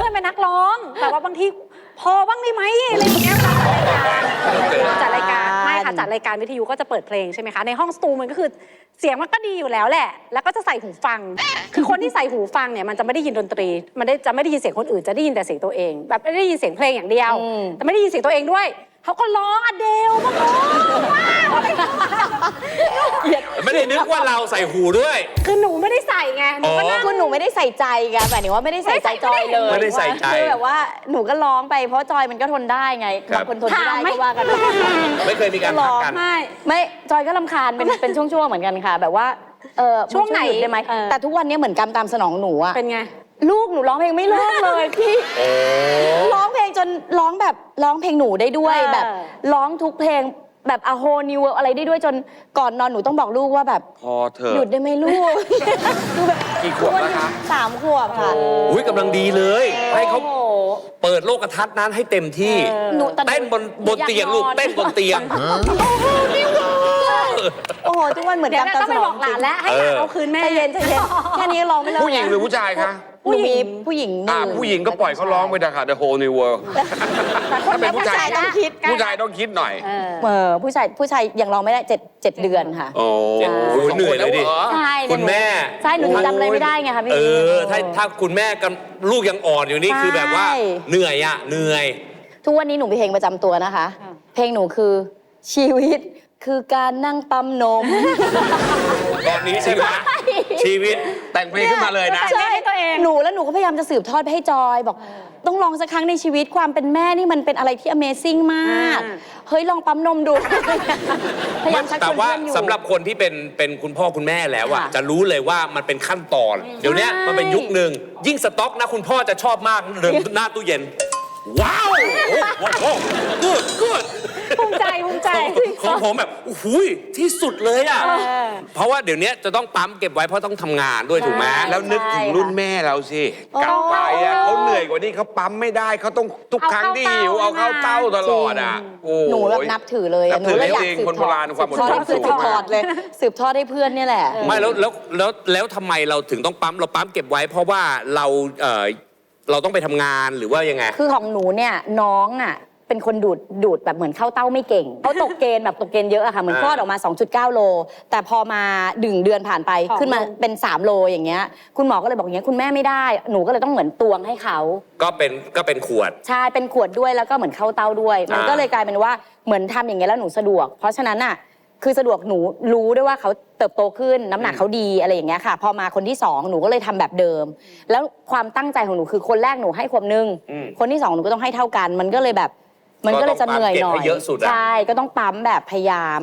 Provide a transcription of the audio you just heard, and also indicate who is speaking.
Speaker 1: ยเป็นนักร้องแต่ว่าบางทีพอบ้างได้ไหมอะไรอย่างเงี้ยจัดรายการไม่ค่ะจัดรายการวิทยุก็จะเปิดเพลงใช่ไหมคะในห้องสตูมันก็คือเสียงมันก็ดีอยู่แล้วแหละแล้วก็จะใส่หูฟังคือคนที่ใส่หูฟังเนี่ยมันจะไม่ได้ยินดนตรีมันจะไม่ได้ยินเสียงคนอื่นจะได้ยินแต่เสียงตัวเองแบบไม่ได้ยินเสียงเพลงอย่างเดียวแต่ไม่ได้ยินเสียงตัวเองด้วยเขาก็ร้องอเดลมาร้อง
Speaker 2: ไม่ได้นึกว่าเราใส่หูด้วย
Speaker 1: คือหนูไม่ได้ใส่ไงหนูก็นั่ง
Speaker 3: คือหนูไม่ได้ใส่ใจไงหมายถึงว่าไม่ได้ใส่ใจจอยเลย
Speaker 2: ไม่ได้ใส่ใจ
Speaker 3: คือแบบว่าหนูก็ร้องไปเพราะจอยมันก็ทนได้ไงบางคนทนไม่ได้ก็ว่ากัน
Speaker 2: ไม่เคยมีการพักกัน
Speaker 3: ไม่จอยก็รำคาญเป็นช่วงๆเหมือนกันค่ะแบบว่า
Speaker 1: ช่วงไหน
Speaker 3: ได้ไหมแต่ทุกวันนี้เหมือนกรรมตามสนองหนูอะ
Speaker 1: เป็นไง
Speaker 3: ลูกหนูร้องเพลงไม่เลิกเลยพี่ร้องเพลงจนร้องแบบร้องเพลงหนูได้ด้วยแบบร้องทุกเพลงแบบA Whole New World อะไรได้ด้วยจนก่อนนอนหนูต้องบอกลูกว่าแบบ
Speaker 2: พอเถอะ
Speaker 3: หยุดได้ไหมลูก
Speaker 2: กี่ขวบแล้วคะ
Speaker 3: 3 ขวบค่ะ
Speaker 2: อุ้ยกำลังดีเลยให้เขาเปิดโลกทัศน์นั้นให้เต็มที่เต้นบนเตียงลูกเต้นบนเตียง
Speaker 3: โอ้โหทุกวันเหมือนกัน
Speaker 1: ต้องไปบอกหลานแล้วให้หลานเอาคืนแม่
Speaker 3: ใจเย็นแค่นี้ร้องไม่เลิก
Speaker 4: ผู้หญิงหรือผู้ชายคะ
Speaker 3: ผู้หญิงผู้หญิง
Speaker 4: ก็ปล่อยเขาร้องไปนะคะ The Whole New World ถ้าเป็นผู้ชาย
Speaker 3: ต้องคิด
Speaker 4: ผู้ชายต้องคิดหน่อย
Speaker 3: ผู้ชายยังร้องไม่ได้7 เดือนค่ะ
Speaker 2: โอ้เหนื่อยเลยดิ
Speaker 3: ใช่
Speaker 2: คุณแม่
Speaker 3: ใช่หนูจำอะไรไม่ได้ไงคะพี่
Speaker 2: ถ้าคุณแม่กับลูกยังอ่อนอยู่นี่คือแบบว่าเหนื่อย
Speaker 3: ทุกวันนี้หนูมีเพลงประจำตัวนะคะเพลงหนูคือชีวิตคือการนั่งปั๊มนม
Speaker 2: แบบนี้ใช่ไหมชีวิต
Speaker 4: แต่งเพลงขึ้นมาเลยนะ
Speaker 3: ใช่หนูก็พยายามจะสืบทอดไปให้จอยบอกต้องลองสักครั้งในชีวิตความเป็นแม่นี่มันเป็นอะไรที่ Amazing มากเฮ้ยลองปั๊มนมดูพยายามชักชวนเพื่อนอยู่
Speaker 2: แต่ว่าสำหรับคนที่เป็นคุณพ่อคุณแม่แล้วอะจะรู้เลยว่ามันเป็นขั้นตอนเดี๋ยวนี้มันเป็นยุคหนึ่งยิ่งสต็อกนะคุณพ่อจะชอบมากเดินหน้าตู้เย็นว้าวโอ้กูด
Speaker 1: ภูมิใจ
Speaker 2: ของผมแบบโอ้โหที่สุดเลยอ่ะเพราะว่าเดี๋ยวนี้จะต้องปั๊มเก็บไว้เพราะต้องทำงานด้วยถูกไหม
Speaker 4: แล้วนึกถึงรุ่นแม่เราสิกลับไปอ่ะเขาเหนื่อยกว่านี้เขาปั๊มไม่ได้เขาต้องทุกครั้งที่หิวเอาเข้าเต้าตลอดอ่ะ
Speaker 3: หนูแบบนับถือเลยหนูเลยอยากสืบทอด
Speaker 4: ความอดทน
Speaker 3: สืบทอดเลยสืบทอดให้เพื่อนนี่แหละ
Speaker 2: ไม่แล้วทำไมเราถึงต้องปั๊มเราปั๊มเก็บไว้เพราะว่าเราต้องไปทำงานหรือว่ายังไง
Speaker 3: คือของหนูเนี่ยน้องอ่ะเป็นคนดูดแบบเหมือนเข้าเต้าไม่เก่งเขาตกเกณฑ์แบบตกเกณฑ์เยอะอะค่ะเหมือนคลอดออกมา 2.9 โลแต่พอมา1 เดือนผ่านไปขึ้นมาเป็น3 โลอย่างเงี้ยคุณหมอก็เลยบอกอย่างเงี้ยคุณแม่ไม่ได้หนูก็เลยต้องเหมือนตวงให้เขา
Speaker 2: ก็เป็นขวด
Speaker 3: ใช่เป็นขวดด้วยแล้วก็เหมือนเข้าเต้าด้วยมันก็เลยกลายเป็นว่าเหมือนทำอย่างเงี้ยแล้วหนูสะดวกเพราะฉะนั้นอะคือสะดวกหนูรู้ด้วยว่าเขาเติบโตขึ้นน้ำหนักเขาดีอะไรอย่างเงี้ยค่ะพอมาคนที่2หนูก็เลยทำแบบเดิมแล้วความตั้งใจของหนูคือคนแรกหนูให้ขวบนึงคนที่2หนูก็ต้องให้เท่ากันมันก็เลยจะเหนื่อยหน่อยใช่ก็ต้องปั๊มแบบพยายาม